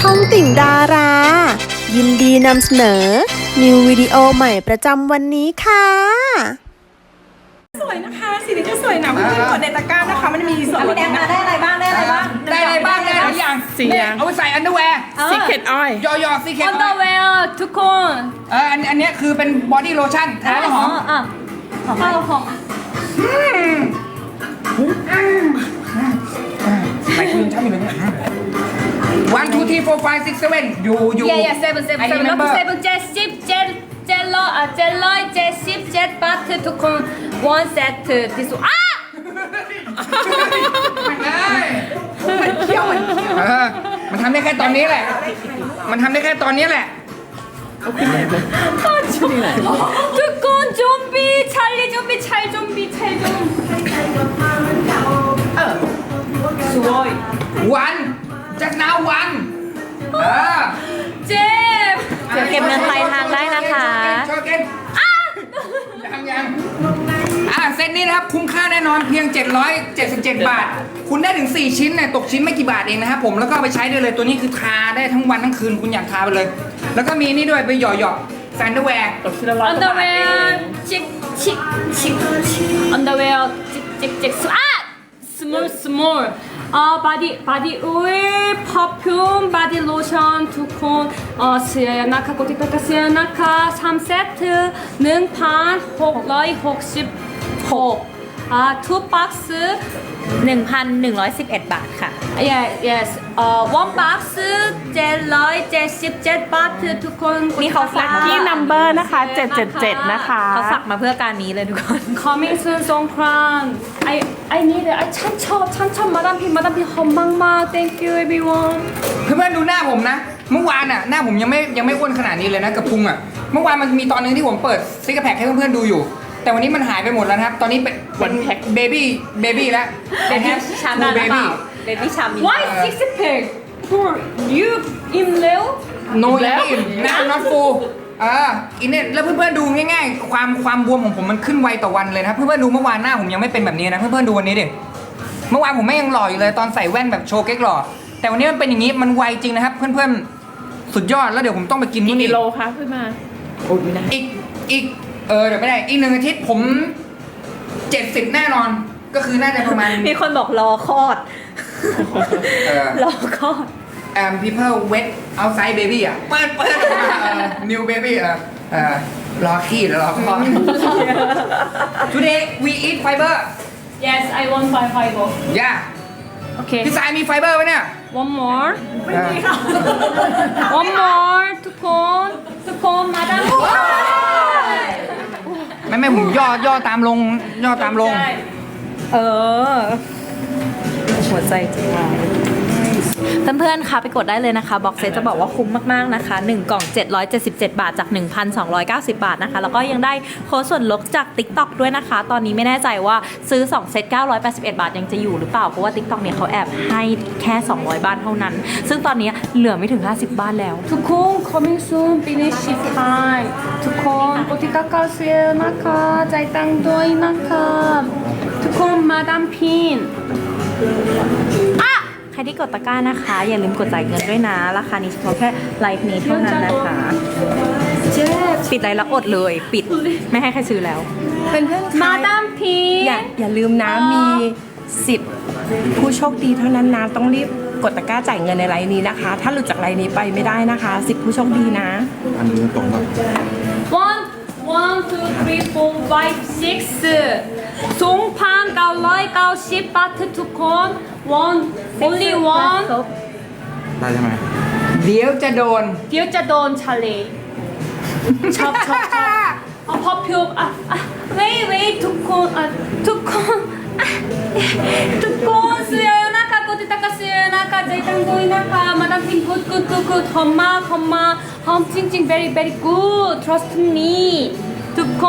องติ่งดารา ยินดีนำเสนอ นิววิดีโอใหม่ประจำวันนี้ค่ะสวยนะคะสีนี้ก็สวยนะเพื่อนๆกดในตะกร้านะคะมันมีส่วนลดนะได้อะไรบ้างได้หลายอย่างสี่อย่างเอาไปใส่อันเดอร์แวร์ Secret Oil ยอซีเคท underwear ทุกคนอันเนี้ยคือเป็นบอดี้โลชั่นทาแล้วหอมหอมหอมใส่ครีมช่างอยู่เลยเนี่ย one two three four five six seven อยู่ yeah 7 แล้วก็7 เจ็ดร้อย70 7 บาททุกคน one set this มันเคี้ยวมันทำได้แค่ตอนนี้แหละ มันทำได้แค่ตอนนี้แหละทุกคน좀비 찰리 좀비 찰 좀비 찰 좀สวยวันจากนาวันเจ็บเดี๋ยวเก็บเงินปลายทางได้นะคะโชว์เกนยังเซตนี้นะครับคุ้มค่าแน่นอนเพียง 777 บาท คุณได้ถึง 4 ชิ้นเนี่ยตกชิ้นไม่กี่บาทเองนะครับผมแล้วก็เอาไปใช้ได้เลยตัวนี้คือทาได้ทั้งวันทั้งคืนคุณอยากทาไปเลย แล้วก็มีนี่ด้วยไปหย่อแซนด์แวร์ underwear underwear small body oil perfume body lotion ทุกคนเสียนะคะกดติดตามเสียนะคะ3 เซต1,666 two box 1,111 บาทค่ะ yes one box 777 บาททุกคนนี่เขาฝากที่ number นะคะ 777 นะคะเขาฝากมาเพื่อการนี้เลยทุกคน coming soon สงกรานต์ I need it ฉันชอบมาดามพี่หอมมากๆ thank you everyone เพื่อนๆดูหน้าผมนะ เมื่อวานหน้าผมยังไม่อ้วนขนาดนี้เลยนะกับพุงเมื่อวานมันมีตอนนึงที่ผมเปิดซิกแพคให้เพื่อนๆดูอยู่ แต่วันนี้มันหายไปหมดแล้วนะครับตอนนี้เป็นเบบี้แล้ว Baby ชามนั้นหรือเปล่า Baby ชามนี้ why six pack for you in Leo โนอิ่มหน้า not full อินเน็ตแล้วเพื่อนๆดูง่ายๆความบวมของผมมันขึ้นไวต่อวันเลยนะเพื่อนๆดูเมื่อวานหน้าผมยังไม่เป็นแบบนี้นะเพื่อนๆดูวันนี้ดิเมื่อวานผมไม่ยังหล่ออยู่เลยตอนใส่แว่นแบบโชว์เก๊กหล่อแต่วันนี้มันเป็นอย่างนี้มันไวจริงนะครับเพื่อนๆสุดยอดแล้วเดี๋ยวผมต้องไปกินนู่นกินี่โลคะขึ้นมาโอ้ยนะอีกเดี๋ยวไม่ได้อีก1 อาทิตย์ผม 70 แน่นอนก็คือน่าจะประมาณมีคนบอกรอคลอด รอคลอด people wet outside baby เปิดออกมาnew baby รอขี้หรือรอคลอด today we eat fiber yes I want fiber okay พี่สายมีไฟเบอร์ไหมเนี่ย one more one more ทุกคนมาดามไม่ผมย่อตามลงเออ หัวใจจะวายเพื่อนๆคะไปกดได้เลยนะคะบ็อกเซตจะบอกว่าคุ้มมากๆนะคะ1 กล่อง 777 บาทจาก 1,290 บาทนะคะแล้วก็ยังได้โค้ดส่วนลดจาก TikTok ด้วยนะคะตอนนี้ไม่แน่ใจว่าซื้อ2 เซต 981 บาทยังจะอยู่หรือเปล่าเพราะว่า TikTok เนี่ยเขาแอบให้แค่200 บ้านเท่านั้นซึ่งตอนนี้เหลือไม่ถึง50 บ้านแล้วทุกคน coming soon finish time ทุกคนกดติดตามเสียนะคะใจายตังค์ด้วยนะคะทุกคนมาดามพินใครที่กดตะกร้านะคะ อย่าลืมกดจ่ายเงินด้วยนะราคานี้เฉพาะแค่ไลฟ์นี้เท่านั้นนะคะปิดไลฟ์แล้วอดเลยปิดไม่ให้ใครซื้อแล้วเป็นเพื่อนมาดามพินอย่าลืมนะมีสิทธิ์ผู้โชคดีเท่านั้นนะต้องรีบกดตะกร้าจ่ายเงินในไลน์นี้นะคะ ถ้าหลุดจากไลน์นี้ไปไม่ได้นะคะสิทธิ์ผู้โชคดีนะอันนี้ตรงกับ 1 2 3 4 5 6 2,990 บาททุกคน only one ได้ใช่ไหมเดี๋ยวจะโดนเดี๋ยวจะโดนทะเลชอบperfume wait ทุกคนเสียนะคะกดติดตามเสียนะคะใจตั้งด้วยนะคะมาดามพิน good หอมมากหอมจริง very good trust me ทุกคน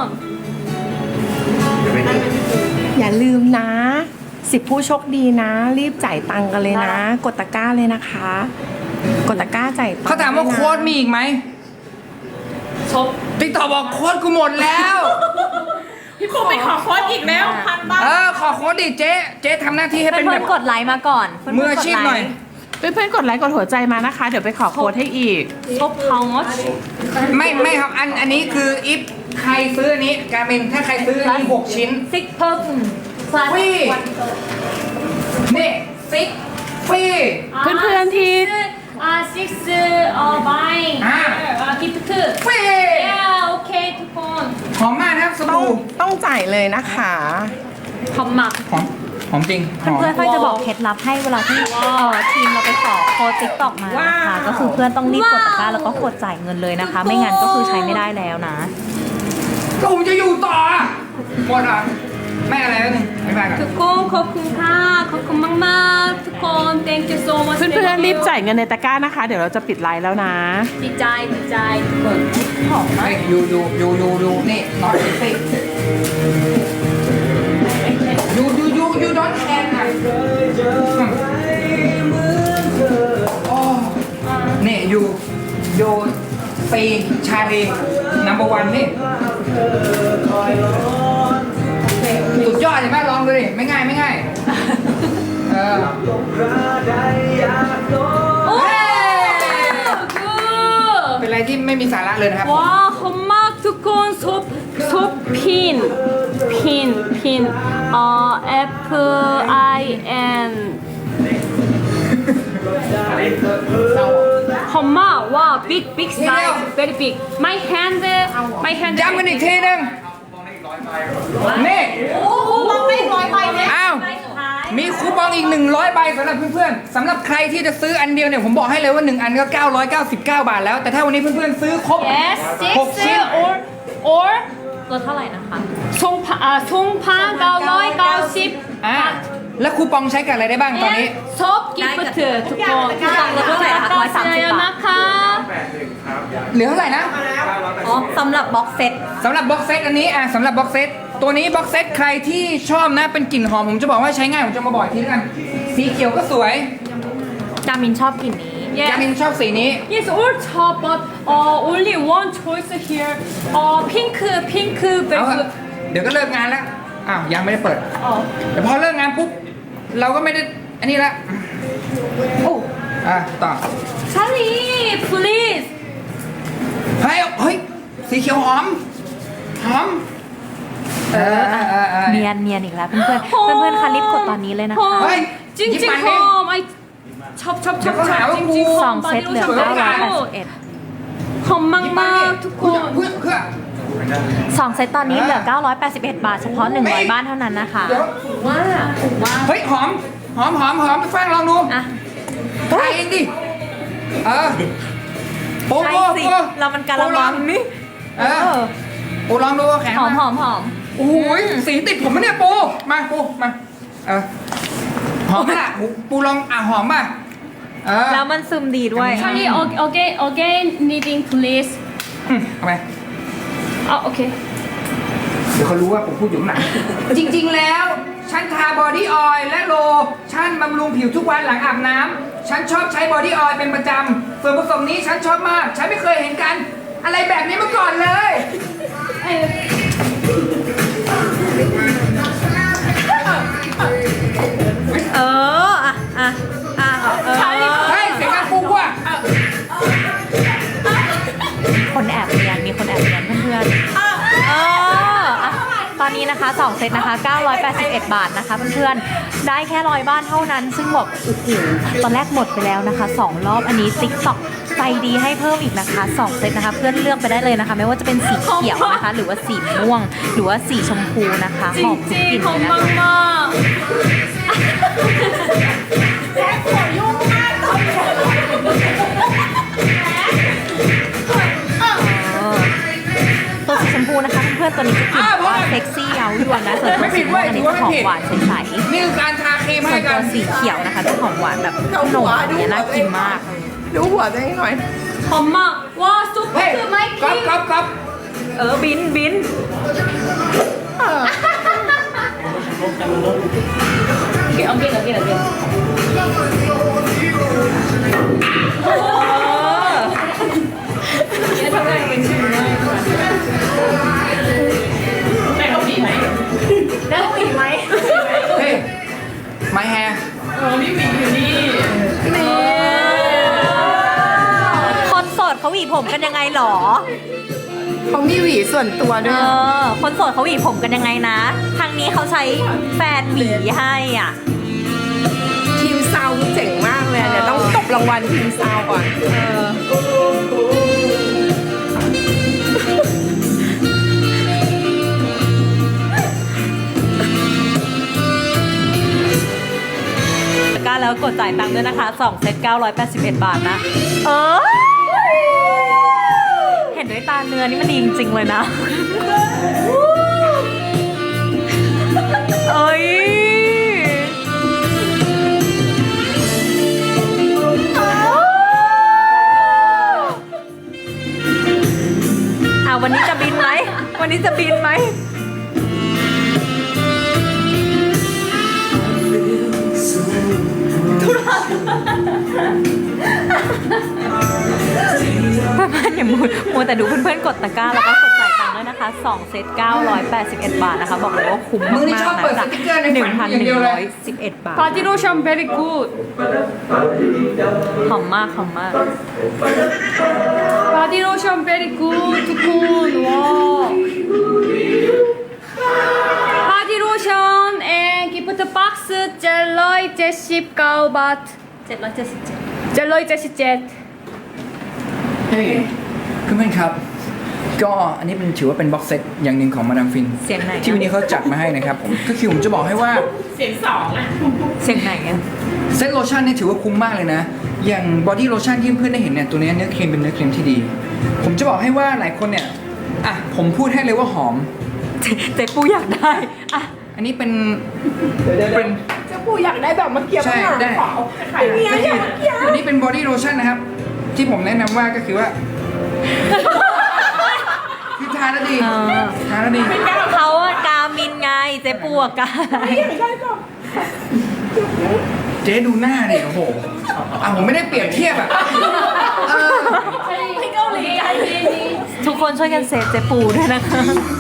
อย่าลืมนะสิบผู้โชคดีนะ รีบจ่ายตังค์กันเลยนะ กดตะกร้าเลยนะคะ กดตะกร้าจ่ายตังค์เขาถามว่าด้วยนะโค้ดมีอีกไหมชอบติ๊กต็อกบอกโค้ดกูหมดแล้วพี่ปูไปขอโค้ดอีกแล้ว1,000 บาทขอโค้ดดิเจ๊ทำหน้าที่ให้เป็นเพื่แบอนบๆกดไลค์มาก่อนเพื่นๆมืออาชีพหน่อยกเพื่อนๆกดไลค์กดหัวใจมานะคะ เดี๋ยวไปขอโค้ดให้อีก Top how much? ไม่ครับอันนี้คืออิฟใครซื้ออันนี้การเป็นถ้าใครซื้ออันนี้6 ชิ้น Six perfume. ฟรีนี่ซิกฟรีเพื่อนๆที่ six buying. Gift. ฟรี Yeah, okay, ทุกคนหอมมากนะครับสต้องบู่ต้องจ่ายเลยนะคะขอบมากหอมจริงหอมเพื่อนๆค่อยจะบอกเคล็ดลับให้เวลาที่ทีมเราไปขอโค้ดติ๊กตอกมานะคะก็คือเพื่อนต้องรีบกดตะกร้าแล้วก็กดจ่ายเงินเลยนะคะ ไม่งั้นก็คือใช้ไม่ได้แล้วนะก็ผมจะอยู่ต่อหมดอ่ะไม่อะไรแล้วหนึ่งไม่ไปก่อนทุกคนขอบคุณค่ะขอบคุณมากๆทุกคน thank you so much เพื่อนๆรีบจ่ายเงินในตะกร้านะคะ เดี๋ยวเราจะปิดไลน์แล้วนะดีใจทุกคนหอมมากเฮ้ยอยู่นี่นอนสิอยู่ดอนแคนอ่ะโอ้นี่อยู่ซีชาลีนัมเบอร์วันนี่สุดยอดเลยแม่ลองดูดิไม่ง่ายโอ้เฮ้ย good เป็นอะไรที่ไม่มีสาระเลยนะครับว้าวหอมมากทุกคนซุปพินApple I N หอมมากว้าว big size very big my hand ย้ำกันอีกทีหนึงนี่มองไม่ร้อยใบเลยอ้าว มีคูปองอีก100ใบสำหรับเพื่อนๆสำหรับใครที่จะซื้ออันเดียวเนี่ยผมบอกให้เลยว่า1อันก็999 บาทแล้วแต่ถ้าวันนี้เพื่อนๆซื้อครบ yes 6 ชิ้น or ลดเท่าไหร่นะคะ 송파 990 แล้วคูปองใช้กับอะไรได้บ้างตอนนี้ 섭 기프트ทุกคนลดเท่าไหร่นะคะ130 บาทนะคะเหลือเท่าไหร่นะอ๋อสำหรับบ็อกเซตสำหรับบ็อกเซตอันนี้สำหรับบ็อกเซตตัวนี้บ็อกเซตใครที่ชอบนะเป็นกลิ่นหอมผมจะบอกว่าใช้ง่ายผมจะมาบอกอีกทีแล้วกันสีเขียวก็สวยจามินชอบกลิ่นนี้ยานินชอบสีนี้ Yes all top but only one choice here pink เอาเถอะเดี๋ยวก็เลิกงานแล้วอ้าวยังไม่ได้เปิดแต่พอเลิกงานปุ๊บเราก็ไม่ได้อันนี้ละโอ้ต่อ Charlie please เฮ้ยสีเขียวหอมเนียนอีกแล้วเพื่อนๆเพื่อนๆคะรีบกดตอนนี้เลยนะคะเฮ้ย 찡찡 홈 I 첩 เดี๋ยวเขาหาว่ากูสองเซตเหลือ981 หอมมากๆทุกคนเพื่อ 2 เซตตอนนี้เหลือ 981 บาทเฉพาะ100 บ้านเท่านั้นนะคะเดี๋ยวเฮ้ยหอมฟังลองดูอ่ะทายเองดิโอ้ใช่สิเรามันการะมังนี่ปูลองดูแข็งหอมโอ้ยสีติดผมมะเนี่ยปูมาหอมไหมล่ะปูลองหอมป่ะแล้วมันซึมดีด้วย Charlie again needing please เอาไปโอเคเดี๋ยวเขารู้ว่าผมพูดอยู่ข้างหลัง จริงๆแล้วฉันทาบอดี้ออยล์และโลชั่นบำรุงผิวทุกวันหลังอาบน้ำฉันชอบใช้บอดี้ออยล์เป็นประจำส่วนผสมนี้ฉันชอบมากฉันไม่เคยเห็นกันอะไรแบบนี้มาก่อนเลย เฮ้ยเสียงดังปุ๊บว่ะคนแอบเรียนมีคนแอบเรียนเพื่อนตอนนี้นะคะ2 เซตนะคะ981 บาทนะคะเพื่อนๆได้แค่100 บ้านเท่านั้นซึ่งบอกโอ้โหตอนแรกหมดไปแล้วนะคะ2 รอบอันนี้ TikTok ใจดีให้เพิ่มอีกนะคะ2 เซตนะคะเพื่อนเลือกไปได้เลยนะคะไม่ว่าจะเป็นสีเขียวนะคะหรือว่าสีม่วงหรือว่าสีชมพูนะคะหอมทุกกลิ่น 찡찡 เลยนะคะ ตัวสีชมพูนะคะเพื่อนๆตัวนี้จะกลิ่นแบบว่าเซ็กซี่เย้ายวนนะส่วนตัวสีม่วงอันนี้จะหอมหวานใสๆนี่คือการทาครีมส่ให้วนกัตันวสีเขียวนะคะจะหอมหวานแบบขนมอย่างเงี้ยน่ากินมากดูหัวตัวเองหน่อย 엄마 와 เฮ้ย 소프트 마이크 ก๊อฟบินเฮ้ย my hair นี่เขาหวีผมกันยังไงหรอเขามีหวีส่วนตัวด้วยคนโสดเขาหวีผมกันยังไงนะ ทางนี้เขาใช้แฟนหวีให้อ่ะทีมซาวด์เจ๋งมากเลยอะเดี๋ยวต้องตบรางวัลทีมซาวด์ก่อนกล้าแล้วกดจ่ายตังค์ด้วยนะคะ2เซต981 บาทนะ เห็นด้วยตาเนื้อนี่มันดีจริงๆเลยนะ เอ้ยวันนี้จะบินไหม วันนี้จะบินไหม เพื่อนๆอย่ามัวแต่ดูเพื่อนๆกดตะกร้าแล้วก็กดจ่ายตังค์ด้วยนะคะ2เซต981 บาทนะคะ บอกเลยว่าคุ้มมึงนี่มากชอบๆเปิดนะสจากติ๊กเกอร์ในฝันอย่างเดียวเลย 1,111 บาท 바디 로션 very good. หอมมากหอมมาก 바디 로션 very good. 두콘 와. 바디 로션 and gift box 젤러이 제십 가우바트. 777 젤러이 제십 젯. เฮ้ยเพื่อนๆครับ ก็อันนี้เป็นถือว่าเป็นบ็อกเซตอย่างหนึ่งของมาดามฟินเสียงไหนอะที่วันนี้เขาจัดมาให้นะครับผมก็คือผมจะบอกให้ว่าเสียงไหนอ่ะเซตโลชั่นเนี่ยถือว่าคุ้มมากเลยนะ อย่างบอดี้โลชั่นที่เพื่อนๆได้เห็นเนี่ยตัวนี้เนื้อครีมเป็นเนื้อครีมที่ดี ผมจะบอกให้ว่าหลายคนเนี่ยอ่ะผมพูดให้เลยว่าหอมเจ๊ปูอยากได้อ่ะอันนี้เป็นเป็นเจ้าปู่อยากได้แบบเมื่อกี้ใช่บ้างได้ขอขายเมียอยากเมียอันนี้เป็นบอดี้โลชั่นนะครับ ที่ผมแนะนำว่าก็คือว่า คือทาแล้วดีเออทาแล้วดีเขาอะกามินไงเจ๊ปูอะกาเจ๊ดูหน้าดิโอ้โหผมไม่ได้เปรียบเทียบอะเออทุกคนช่วยกันเซฟเจ๊ปูด้วยนะคะ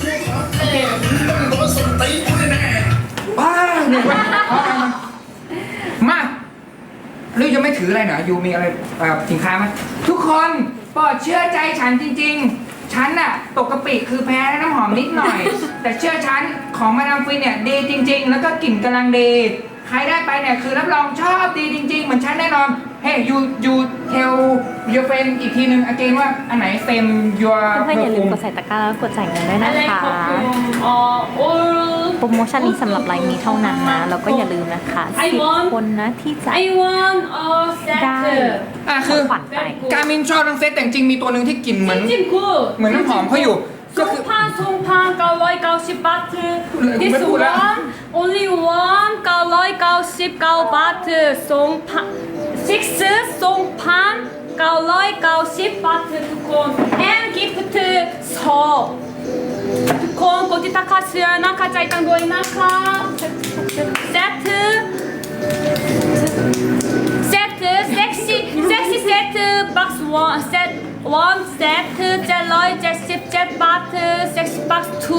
ว้าเนี่ยว่ามาหรือยังไม่ถืออะไรเหรอยูมีอะไรสินค้าไหมทุกคนโปรดเชื่อใจฉันจริงๆ ฉันน่ะตกกะปิคือแพ้น้ำหอมนิดหน่อย แต่เชื่อฉันของมาดามฟินเนี่ยดีจริง ๆ แล้วก็กลิ่นกำลังดี ใครได้ไปเนี่ยคือรับรองชอบดีจริง ๆ เหมือนฉันแน่นอน เฮ้ยยูเทลยูเฟนอีกทีนึงอเกนว่าอันไหนเต็มยัวเพื่อนๆอย่าลืมกดใส่ตะกร้าแล้วกดจ่ายเงินด้วยนะคะ all โปรโมชั่นนี้สำหรับไลน์นี้เท่านั้นนะ แล้วก็อย่าลืมนะคะ10 คนนะที่จะ I want a ได้ set. คือขวัญไปการมินชอบทั้งเซตแต่จริงๆมีตัวหนึ่งที่กลิ่นเหมือน 찜찜 good. เหมือนน้ำหอมเขาอยู่ก็คือ 송판 가로이 가오십 바트. This 왜 몰라? one only one 가로이 가오십 가오 바트. 송판 six 송판 가로이 가오십 바트 두콘 and gift 서. 두콘 고디 타카스야 나카 짜이땅 도이 나카 세트. 세트 섹시 세트 박스 원 세트 원 세트 젤러이 제십 젯 바트 섹시 박스 투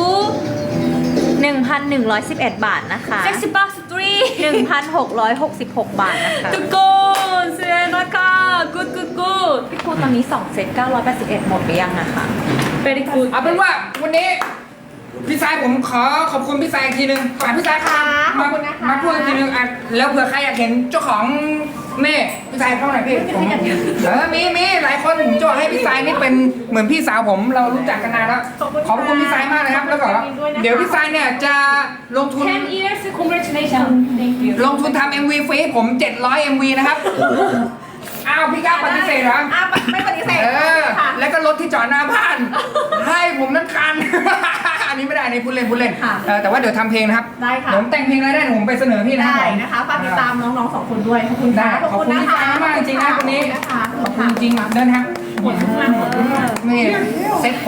1,111 บาทนะคะ 섹시 박스 3 1,666 บาทนะคะ 두콘 스에나카 굿굿굿 พี่ปูตอนนี้2เซต981 หมดไปยังนะคะ 베리 굿 เอาเป็นว่าวันนี้พี่สายผมขอขอบคุณพี่สายอีกทีนึงฝากพี่สายครับมาพูดอีกทีนึงอ่ะแล้วเผื่อใครอยากเห็นเจ้าของนี่พี่สายเข้าหน่อยพี่ผมมีหลายคนผมจะบอกให้พี่สายนี่เป็นเหมือนพี่สาวผมเรารู้จักกันนานแล้วขอบคุณพี่สายมากเลยครับแล้วก็เดี๋ยวพี่สายเนี่ยจะลงทุน 10 years congratulations thank you ลงทุนทำ MV ฟรีให้ผม700 MV นะครับอ้าวพี่กล้าปฏิเสธเหรอไม่ปฏิเสธค่ะ แล้วก็รถที่จอดหน้าบ้าน ให้ผมนั่นคัน อันนี้ไม่ได้อันนี้พูดเล่นแต่ว่าเดี๋ยวทำเพลงนะครับได้ค่ะผมแต่งเพลงอะไรได้เดี๋ยวผมไปเสนอพี่นะครับได้ผมนะคะฝากติดตามน้องๆ2 คนด้วยขอบคุณได้ค่ะขอบคุณพี่ฟ้ามากจริงๆนะคนนี้นะคะขอบคุณจริงเดินครับนี่เซ็ต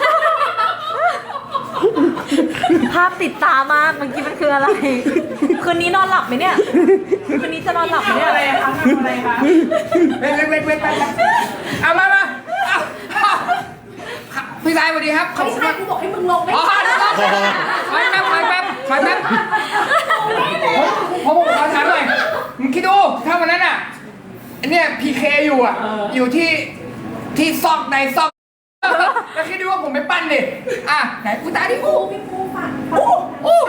ภาพติดตามากเมื่อกี้มันคืออะไร คืนนี้นอนหลับไหมเนี่ย คืนนี้จะนอนหลับไหมเนี่ยอะไรคะทำอะไรคะเว้นเอามาเอาพี่สายสวัสดีครับขอบไม่คุณใช่มากกูบอกให้มึงลงไม่อ๋อใช่เดี๋ยวถอยแป๊บผมขอถามหน่อยมึงคิดดูถ้าวันนั้นอ่ะเนี่ยพีเคอยู่ที่ที่ซอกในซอกแล้วคิดดูว่าผมไปปั้นดิอ่ะไหนกูตาดิอู้อู้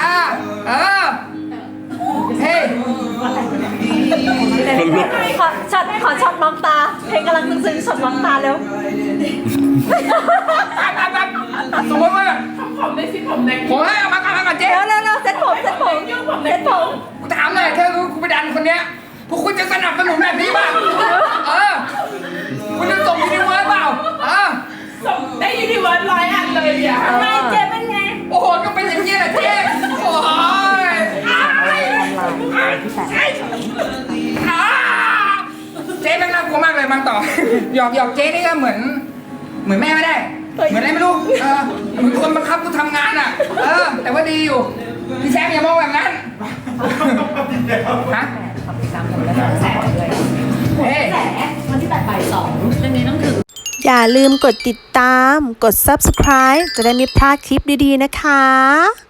เฮ้ยขอช็อตมองตา เพลงกำลังซึ้งๆช็อตมองตาเร็วสมมติว่าผมให้เอามาก่อนเจ๊เร็วเซ็ตผมกูถามหน่อยถ้ารู้กูไปดันคนเนี้ยพวกคุณจะสนับสนุนแบบนี้ป่ะคุณจะส่งยูนิเวิร์สเปล่าได้ยูนิเวิร์ส100 อันเลยอ่ะทำไมเจ๊เป็นไงโอ้โหก็เป็นอย่างนี้แหละเจ๊โอ้ยเจ๊แม่งน่ากลัวมากเลยมังต่อหยอกเจ๊นี่ก็เหมือนแม่ไม่ได้เหมือนอะไรไม่รู้เหมือนคนบังคับกูทำงานอ่ะแต่ว่าดีอยู่พี่แซมอย่ามองแบบนั้นฮะเฮ้ยอย่าลืมกดติดตาม กด subscribe จะได้ไม่พลาดคลิปดีๆนะคะ